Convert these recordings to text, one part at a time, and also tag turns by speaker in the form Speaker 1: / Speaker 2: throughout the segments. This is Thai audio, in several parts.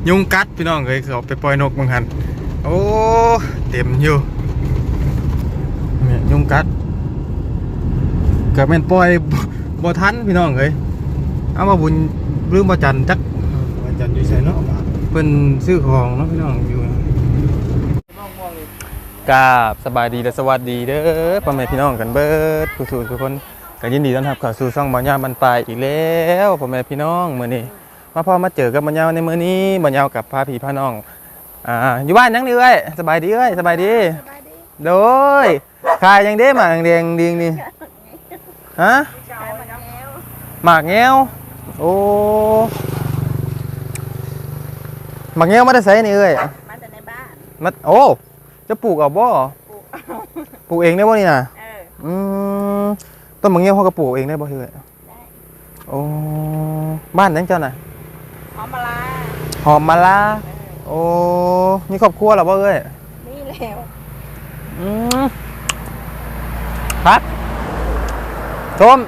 Speaker 1: ยุงกัดพี่น้องเคยเขาไปปล่อยนกบางหันโอ้เต็มอยู่เนี่ยยุงกัดเกิดเป็นปล่อยบ่ทันพี่น้องเคยเอามาบุญลืมมาจันจักมาจันอยู่ใส่เนาะเป็นซื้อของเนาะพี่น้องอยู่กราบสบายดีและสวัสดีเด้อพ่อแม่พี่น้องกันเบิดผู้สูงทุกคนก็ยินดีต้อนรับเข้าสู่ช่องบ่าวยาวบรรปลายอีกแล้วพ่อแม่พี่น้องมื้อนี้มาพอมาเจอกับบ่าวยาวในมื้อนี้บ่าวยาวกับพาพี่พาน้องอยู่บ้านยังนี่เอ้ยสบายดีเอ้ยสบายดีโดยขายยังเด้หมากแดงดีนี่ฮะหมากแง้วโอ้หมากแง้วมาได้ไสนี่เอ้ย
Speaker 2: มาแต่ในบ้าน
Speaker 1: มาโอ้จะปลูกเอาบ่ปลูกเองได้บ่นี่น่ะต้นมะเงี้ยวเขาก็ปลูกเองได้บ่เฮ้ยได้โอ้บ้านนั้นเจ้าน่ะ
Speaker 2: หอมมะลา
Speaker 1: หอมมะลาโอ้มีครอบครัวหรอบ่เอ้ย
Speaker 2: นี่แล้ว
Speaker 1: ครับชม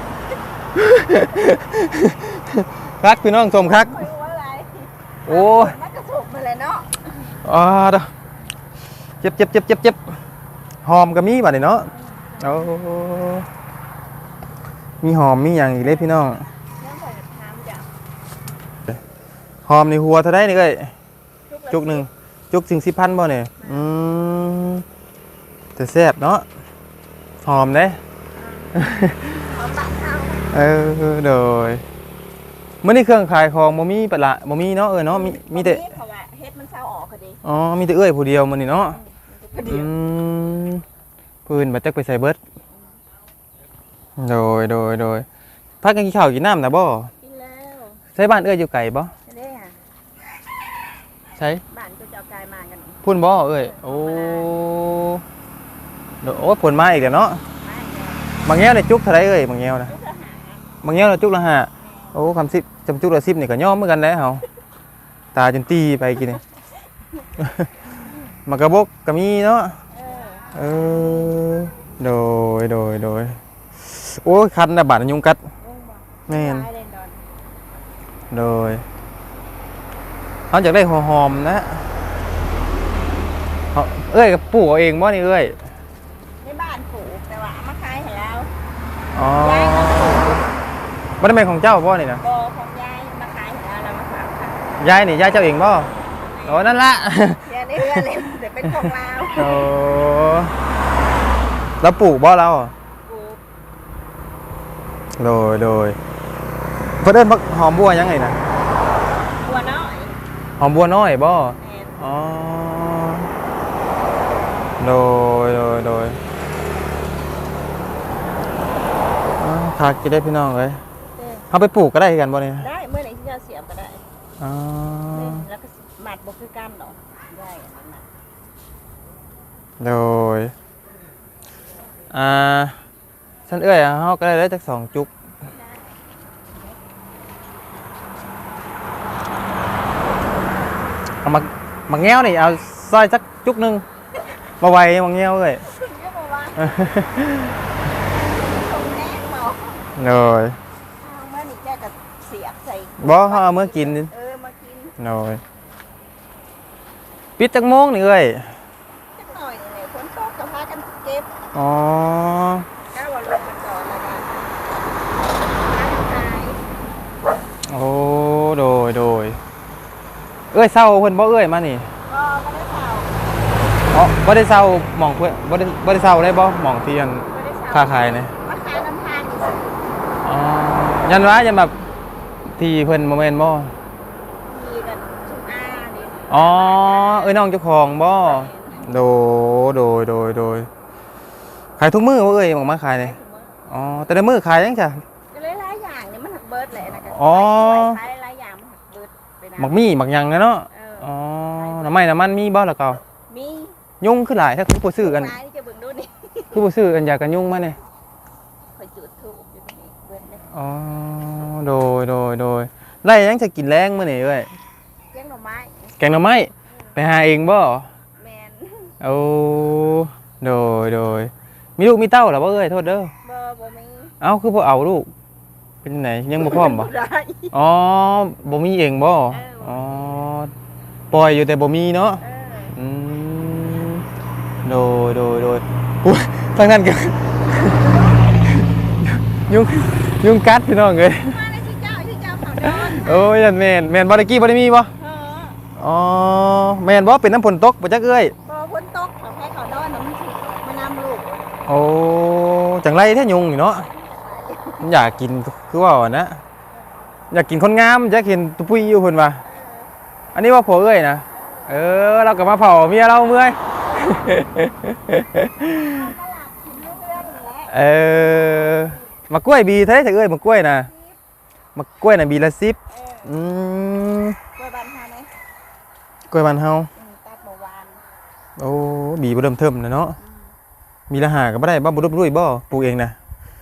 Speaker 1: คักพี่น้องชมคักโอ้
Speaker 2: มันกระสุกมาเลยเนาะ
Speaker 1: เด้อเจ็บหอมก็มีบัดนี้เนาะโอ้มีหอมมีอย่างอีกเลยพี่น้องหอมในหัวเท่าได้นี่เอ้ยจุกหนึ่งจุกถึง10,000บ่เนี่ยแต่แซ่บเนาะหอมเด้โดยเมื่อนี้เครื่องขายของบ่มีปะละบ่มีเนาะเนาะมีแต่
Speaker 2: เฮ็ดมันเศร้าออกก็ดี
Speaker 1: อ๋อมีแต่เอ้ยผู้เดียวมื้อนี้เนาะปืนบัดจักไปใส่เบิดโดยพักกันกินข้าวกินน้ำนะบ่
Speaker 2: กินแล้ว
Speaker 1: ใช้บ้านเอ้ยอยู่ไกลบ่
Speaker 2: ได้ค่ะ
Speaker 1: ใช่
Speaker 2: บ้านก็จะเอาไกลมากัน
Speaker 1: พุ่นบ่เอ้ยโอ้ผลมาอีกแล้วเนาะบางแง่เนี่ยจุกเท่าไรเอ้ยบางแง่นะบางแง่เราจุกละ5โอ้คำ10จำจุกละ10นี่ก็ย่อมเหมือนกันแล้วเฮาตาจนตีไปกินนี่มากระบกก็มีเนาะโดยโอ้ยคันนะบาดยุงกัดแม่นโดยเขาอยากได้หอมนะเอ้ยกับปลูกเอาเองบ่นี่เอ้ย
Speaker 2: ในบ้านปลูกแต่ว่ามาขายให้แล้ว
Speaker 1: อ๋อมันเป็นของเจ้าบ่นี่นะ
Speaker 2: บ่ของยายมาขายให้แล้วมาฝากค่ะ
Speaker 1: ยายนี่ยายเจ้าเองบ่โอ้นั่นละ
Speaker 2: ยายได้เรือนเลยเดี๋ยวเป็นของเรา
Speaker 1: โอ้แล้วปลูกบ่เราโดยเพิ่นเอิ้นหอมบัวยังไงนะ
Speaker 2: บัวน้อย
Speaker 1: หอมบัวน้อยบ่อ๋อโดยขากินได้พี่น้องเลยเขาไปปลูกก็ได้กันบ่เนี่ย
Speaker 2: ได้เมื่อไหร่ที่จะเสียบก็ได้
Speaker 1: อ๋อ
Speaker 2: แล้วก็หมัดบ่คือกันดอกได้
Speaker 1: โดยฉันเอ้ยเขาก็ได้จาก2 จุกเอามาแง้วนี่เอาซอยสักจุกนึงมาไว้มาแง้วเลยเลย
Speaker 2: เมื่อนี้แกก็เสียบใส่
Speaker 1: บ่เขาเอาเมื่อกิน
Speaker 2: มากิน
Speaker 1: เลยปิดจักโมงนี่เอ้ย
Speaker 2: จักหน่อยนี่ฝนตกก็พากันเก็บ
Speaker 1: อ๋อ
Speaker 2: ก้าวลงกันก่อนแล้วกัน
Speaker 1: โอ้โดยเอ้ยเศร้าเพิ่นบ่เอ้ยมานี่บ่ได้เศร้าหม่องเพิ่นบ่ได้เศร้าได้บ่หม่องที่อันค้าขายนี่
Speaker 2: มาขายน้ำทานนี่
Speaker 1: อ๋อยันว่ายันแบบที่เพิ่นบ่แม่นบ่
Speaker 2: มีกันชุมอานี่
Speaker 1: อ๋อเอ้ยน้องเจ้าของบ่โดยขายทุกมื้อบ่เอ้ยหม่องมาขายนี่อ๋อแต่ละมื้อขายจังจ้ะ
Speaker 2: หลายอย่างนี่มันหักเบิดแหละนะกัน
Speaker 1: อ๋อ
Speaker 2: ขายหลายอย่างมันหักเบิด
Speaker 1: หมักมี่หมักยังเนาะอ๋อน้ำมันมีบ่ล่ะเก่า
Speaker 2: มี
Speaker 1: ยุ่งขึ้นหลายถ้าคือบ่ซื้อกันคือบ่ซื้อกันอยากกันยุ่งมาเนี่ย
Speaker 2: คอยจุดธูปอยู่นี่เบิดเลย
Speaker 1: อ๋อโดยไล่ยังจะกินแรงมื้อนี้เว้ย
Speaker 2: แกงหน่อไม้
Speaker 1: ไปหาเองบ่
Speaker 2: แม่น
Speaker 1: โอ้โดยมีลูกมีเต้าเหรอบ่เอ้ยโทษเด้อ
Speaker 2: บ่มี
Speaker 1: เอ้าคือบ่เอาลูกเป็นไหนยังบ่พร้อมบ่อ๋อบ่มีเองบ่อ๋อปล่อยอยู่แต่บ่มีเนาะ
Speaker 2: เออ
Speaker 1: อืมโดยอุ๊ยทางนั้นก็ ยุงกัดพี่น้องเอ้ย
Speaker 2: มาเลยที่เจ้าเขาดอน
Speaker 1: โอ้ยแม่นบ่ได้กี้บ่ได้มีบ่
Speaker 2: เออ
Speaker 1: อ๋อแม่นบ่เป็นน้ำฝนตกบ่จักเอ้ย
Speaker 2: พอพ้นตกเขาแค่เขาดอนน่ะมันสิมานำลูก
Speaker 1: โอ้จังไรแท้ยุงนี่เนาะมันอยากกินคือว่าอะนะอยากกินคนงามจะเห็นตุปุยอยู่เพิ่นว่าอันนี้ว่าผัวเอ้ยนะเราก็มาเผาเมียเราเมื่อย เออมากล้วยบีเท่าไหร่เถอะเอ้ยมากล้วยนะมากล้วยน่ะบีละ10อืม
Speaker 2: กล้วยบานเฮาไหม
Speaker 1: กล้วยบ้านเฮา
Speaker 2: ตัดเมื่อวาน
Speaker 1: โอ้บีบ่เริ่มเทิมนะเนาะมีละหาก็บ่ได้บ่รุบรุ่ยบ่ปลูกเองนะ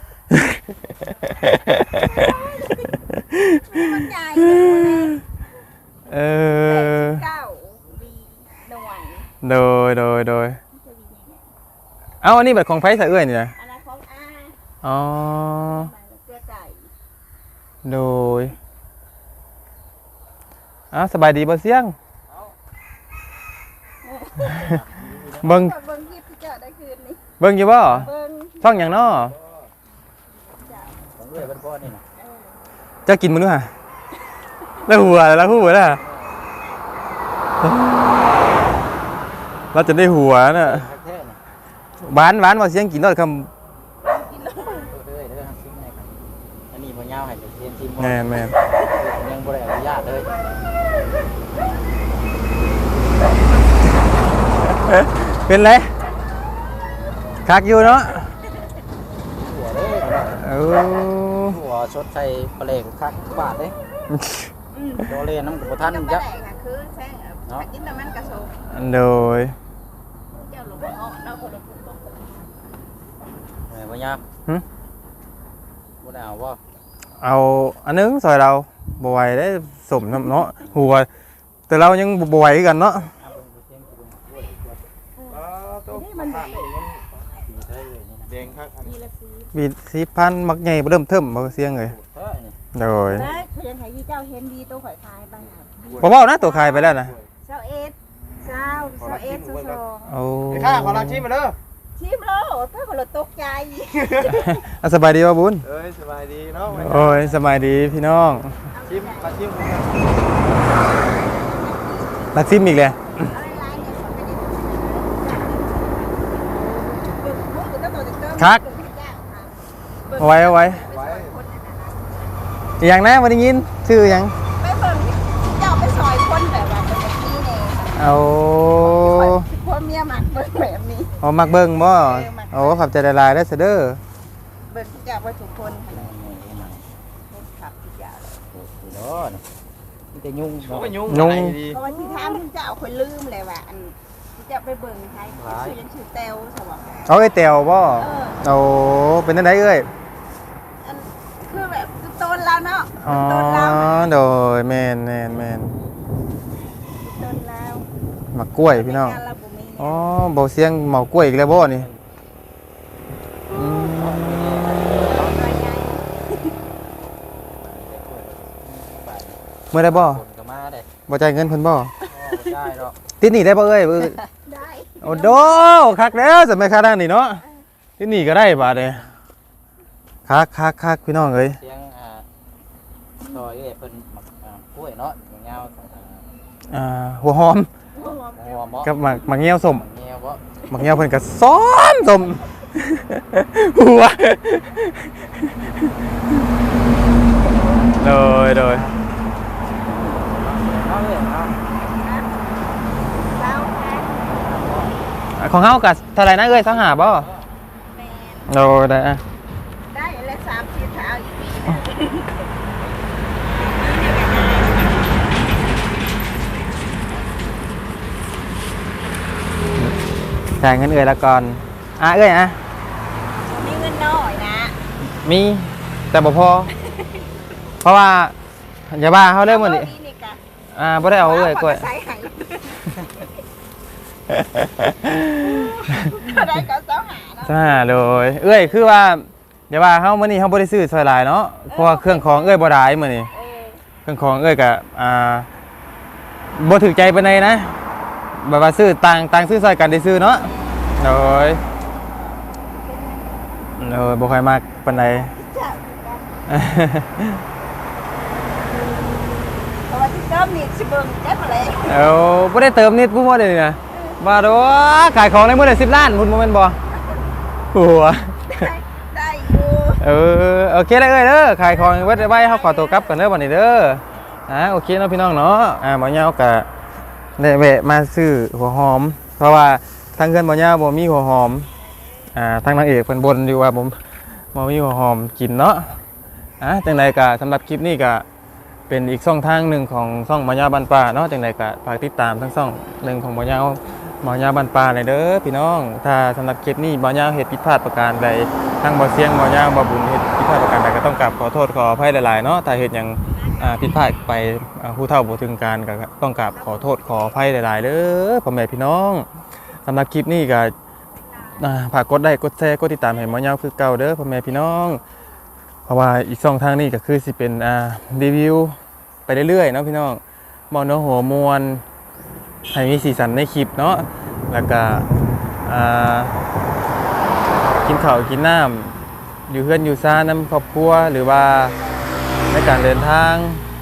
Speaker 2: มันใหญ่เลย
Speaker 1: เออ
Speaker 2: เก้าวีหน่วย
Speaker 1: โดยเอาอันนี้แบบของไผซะเอ้ยนี่นะ
Speaker 2: อันนั้นของอา
Speaker 1: อ๋อ
Speaker 2: มันเกลือไก่
Speaker 1: โดยสบายดีบ่เสียงเบิ่ง
Speaker 2: เบิ่งคลิปที่เจ้าได้คืนนี้
Speaker 1: เบิ่งอยู่บ่
Speaker 2: เบิ่ง
Speaker 1: ช่องหยังน้อ
Speaker 3: ของเอื้อยเป็นพ่อนี่นะ
Speaker 1: เจ้ากินมื้อนู้ฮะแล้วหัวน่ะเราจะได้หัวน่ะ
Speaker 3: แท้ๆนะ
Speaker 1: หวานว่าเสียงกินรสคำ
Speaker 3: เอื้อยเด้อซิมให้ครับอันนี้บ่ยาวให้เรียนซิมบ่
Speaker 1: แม่น
Speaker 3: ยังบ่ได้อนุญาตเลย
Speaker 1: เป็นไรคักอยู่เนาะ
Speaker 3: หัวเด้อ
Speaker 1: เออ
Speaker 3: หัวชดใส่ปลาเล็กคักบาทเด้โดเล่นน้ำกับบ่ทัน
Speaker 2: จัง
Speaker 3: จัก
Speaker 2: ค่ะคือแซ่กินแต่มันกระโซก
Speaker 1: โดย
Speaker 2: เจ้าหลวงพ่อเราคนละคนตก
Speaker 3: แม่บ่ยาวบ่ได้เอาบ่
Speaker 1: เอาอันนึงซอยเราบ่ไหวได้สมเนาะหัวแต่เรายังบ่ไหวกันเนาะ
Speaker 2: นี่มัน
Speaker 3: แดงคักอันนี้
Speaker 2: มีละสี
Speaker 1: มี4,000มักใหญ่บ่เริ่มเทิมบ่เสียงเลย
Speaker 3: เฮ้ยนี่
Speaker 1: โดย
Speaker 2: ได้เพื่อนไทยที่เจ้าเห็นดีตัวข่อยทายบ้าง
Speaker 1: บ่เว้านะตัวขายไปแล้วนะ
Speaker 2: เจ้าเอสเจ้าเอสสอง
Speaker 1: โอ้
Speaker 3: ข้าขอลองชิมมาเด้อ
Speaker 2: ชิมโลเพื่อคนละตกใจ
Speaker 1: สบายดีบ่บุญ
Speaker 3: เอ้ยสบายดีเนาะ
Speaker 1: โอ้ยสบายดีพี่น้อง
Speaker 3: ชิมมาชิม
Speaker 1: ลักซิมอีกเลย
Speaker 2: อะไรเนี่ย
Speaker 1: เอาไว้
Speaker 3: ไว้
Speaker 1: อย่างนะบ่ได้ยินชื่อหยัง
Speaker 2: ไปเบิ่งเจ้าไปซอยคนแบบว่าเป็นแบบนี้เนี่ย
Speaker 1: เอา
Speaker 2: พ่อเมียมักเบิ่งแบบนี้
Speaker 1: เอามักเบิ่งบ่โอ้ขอบใจหลายๆเด้อเสยเด้อ
Speaker 2: เบิ่งเจ้าไปทุกคนครับเจ้า
Speaker 3: เนาะนี่แต่ยุ่งเนาะ
Speaker 1: นุ่ง
Speaker 2: เพราะว่าที่ทางเจ้าคนลืมเลยว่าอันที่จะไปเบิ่งใครชื่อยังชื่อเตวสวัสดิ์
Speaker 1: เอาไอ้แตวบ่โอ้เป็นจังไดเอ้ย
Speaker 2: อันคือแบบต้นแล้วเนาะ
Speaker 1: อ๋อ
Speaker 2: ต้นแล้ว
Speaker 1: โดยแม่น
Speaker 2: ต้นแล้ว
Speaker 1: มักกล้วยพี่น้อง
Speaker 2: การระบุมี
Speaker 1: อ๋อบ่เสียงเมากล้วยอีกแล้วบ่นี่อืม
Speaker 2: ตัวใหญ่
Speaker 1: มื้อได้บ่
Speaker 3: คนก็มาได้
Speaker 1: บ่จ่ายเงินเพิ่นบ่
Speaker 3: ได้เนาะ
Speaker 1: ติดหนี้ได้บ่เอ้ย
Speaker 2: ได้
Speaker 1: โอ้โดคักแล้วสมัยค่าด้านนี่เนาะติดหนี้ก็ได้บาดเด้คักพี่น้องเอ้ย
Speaker 3: เสียงซอยเพิ่นกล้วยเนาะยาว
Speaker 1: หัวหอม
Speaker 3: หัวเหมาะ
Speaker 1: กับหมักเงี้ยวส้ม
Speaker 3: แง่บ่
Speaker 1: หมักเงี้ยวเพิ่นก็ซ้อนส้มหัวโดย
Speaker 3: เอาเลยเอา
Speaker 2: แล้วแพ้
Speaker 1: ของเฮาก็เท่าไหร่นะเอ้ย25บ่
Speaker 2: แมน
Speaker 1: โดยได้อะ
Speaker 2: ได้แล้ว3 4เท้าอีกปี
Speaker 1: จ่ายเงินเอ้ยละก่อนเอ้ย
Speaker 2: มีเงินน้อยนะ
Speaker 1: มีแต่บ่พอ เพราะว่าอย่าบ้าเฮาเด้อมื้อนี้
Speaker 2: นี่กะ
Speaker 1: บ่ได้เอาเอ้ยกล้วย
Speaker 2: ใส่ให้ได้ก็เจ้าหาเนาะ
Speaker 1: จ้าโดยเอ้ยคือว่าอย่าว่าเฮามื้อนี้เฮาบ่ได้ซื้อซอยหลายเนาะเพราะว่าเครื่องของเอ้ยบ่หลายมื้อนี้
Speaker 2: เออ
Speaker 1: เครื่องของเอ้ยก็บ่ถูกใจปานใดนะแบบว่าซื้อต่างซื้อซอยกันได้ซื้อเนาะโดยบ่ค่อยมักปานใด
Speaker 2: จ้าเพราะว่าที่เติมนี่สิเบิ่งได้บ่เลย
Speaker 1: เอาบ่ได้เติมนิดผู้บ่ได้นี่นะว่าโดขายของในมื้อละ10 ล้านพุ่นบ่แม่นบ่หัว
Speaker 2: ได้อยู่
Speaker 1: โอเคแล้วเอ้ยเด้อขายของไว้ไว้เฮาขอตัวกลับกันเด้อบัดนี้เด้อโอเคเนาะพี่น้องเนาะบ่ยาวก็ได้แวะมาซื้อหัวหอมเพราะว่าทางเงินบ่ยาวบ่มีหัวหอมทางนางเอกเพิ่นบ่นอยู่ว่าผมบ่มีหัวหอมกินเนาะจังไดก็สำหรับคลิปนี้ก็เป็นอีกช่องทางหนึ่งของช่องบ่ยาวบ้านป่าเนาะจังไดก็ฝากติดตามทั้งช่องหนึ่งของบ่ยาวบ้านป่าเลยเด้อพี่น้องถ้าสำหรับคลิปนี้บ่ยาวเฮ็ดผิดพลาดประการใดทางบ่เสียงบ่ยาวบ่บุญเฮ็ดผิดพลาดประการใดก็ต้องกราบขอโทษขออภัยหลายๆเนาะถ้าเฮ็ดหยังผิดพลาดไปผู้เฒ่าบ่ถึงการก็ต้องกราบขอโทษขออภัยหลายๆเด้อพ่อแม่พี่น้องสำหรับคลิปนี้ก็ฝากกดไลค์กดแชร์กดติดตามให้บ่ยาวคือเก่าเด้อพ่อแม่พี่น้องเพราะว่าอีกช่องทางนี้ก็คือสิเป็นรีวิวไปเรื่อยๆเนาะพี่น้องบ่เนื้อหัวมวลให้มีสีสันในคลิปเนาะแล้วก็กินข้าวกินน้ำอยู่เพื่อนอยู่ซ่าน้ำครอบครัวหรือว่าในการเดินทาง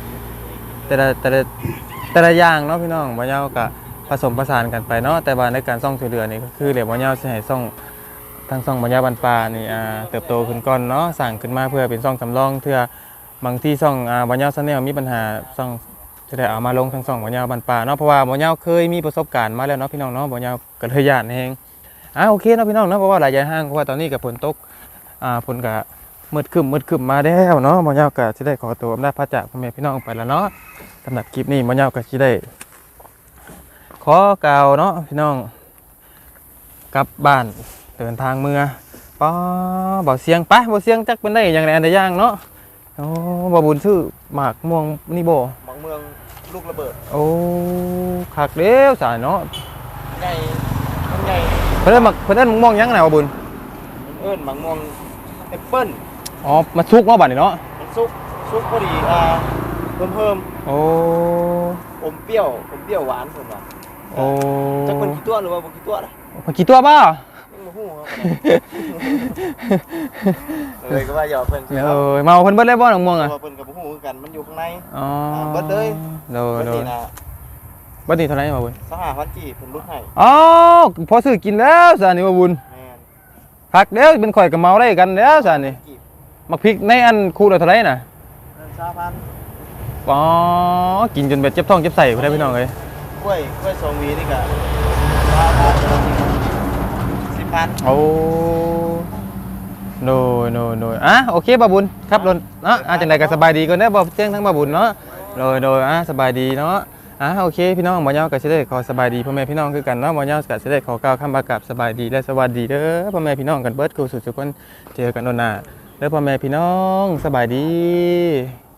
Speaker 1: แต่ละอย่างเนาะพี่น้องบ่ยาวก็ผสมผสานกันไปเนาะแต่ว่าในการซ่องช่วยเหลือนี่ก็คือเดี๋ยวบ่ยาวสิให้ซ่องทางซ่องบ่ยาวบ้านป่านี่เติบโตขึ้นก่อนเนาะสร้างขึ้นมาเพื่อเป็นซ่องสำรองเพื่อบางที่ซ่องบ่ยาว Channel มีปัญหาซ่องจะได้เอามาลงทางซ่องบ่ยาวบ้านป่าเนาะเพราะว่าบ่ยาวเคยมีประสบการณ์มาแล้วเนาะพี่น้องเนาะบ่ยาวก็เลยย้านแฮงโอเคเนาะพี่น้องเนาะเพราะว่าหลายอย่างห้างเพราะว่าตอนนี้ก็ฝนตกฝนก็มืดครึมมาแล้วเนาะบ่ยาวก็สิได้ขอตัวอำลาพระจากพ่อแม่พี่น้องไปแล้วเนาะสำหรับคลิปนี้บ่ยาวก็สิได้ขอกล่าวเนาะพี่น้องกลับบ้านเดินทางเมื่อบ่เสียงไปบ่เสียงจักเป็นได้อย่างไรอันใดอย่างเนาะบ่บุญซื้อหมากม่วงนี่บ่
Speaker 3: บางเมืองลูกระเบิด
Speaker 1: คักเด้วสายเนาะ
Speaker 3: ใหญ่มันใหญ่
Speaker 1: เพิ่นมักม่วงยังไงบ่บุญ
Speaker 3: เอิ้นบางเมืองแอปเปิ้ล
Speaker 1: มาสุกเนาะบัดนี้เนาะ
Speaker 3: มันซุกพอดีเพิ่มอมเปรี้ยวหวานเพิ่นว่าจักเป็นกี่ตัวหรือว่าบ่กี่ตัวนะ
Speaker 1: มันกี่ตัวบ่
Speaker 3: ยังบ่ฮู้ครับเลยก็ว่าหยอกเพิ่นสิครับ
Speaker 1: เมาเพิ่นเบิดเลยบ่น้องม่วง
Speaker 3: เพ
Speaker 1: อ่ะ
Speaker 3: ราะว่าเพิ่นก็บ่ฮู้คือกันมันอยู่ข้างใน
Speaker 1: อ๋อ
Speaker 3: เบิดเลย
Speaker 1: โด
Speaker 3: เบิดนี่นะ
Speaker 1: บัดนี้เท่าไหร่บ่บุญ
Speaker 3: 25,000กีบเพิ่นลดให้
Speaker 1: พอซื้อกินแล้วซะนี่บ่บุญ
Speaker 3: แม่น
Speaker 1: คักเด้วเป็นข่อยก็เมาได้กันแล้วซะนี่
Speaker 3: กีบ
Speaker 1: มักพริกในอันคู่ละเท่าไหร่น่ะ
Speaker 3: 20,000
Speaker 1: กินจนแบบเจ็บท้องเจ็บไส้พุ่นเด้อพี่น้องเอ้ย
Speaker 3: กล้วย2หวีนี่ก็10,000
Speaker 1: โนโอเคบ่บุญครับรถเนาะจังได๋ก็สบายดีก่อนเด้อบ่เจ้งทั้งบ่บุญเนาะโดยสบายดีเนาะโอเคพี่น้องบ่ยาวก็สิได้ขอสบายดีพ่อแม่พี่น้องคือกันเนาะบ่ยาวก็สิได้ขอกล่าวคำว่ากราบสบายดีและสวัสดีเด้อพ่อแม่พี่น้องกันเบิดคู่สุดทุกคนเจอกันโดนหน้าเด้อพ่อแม่พี่น้องสบายดี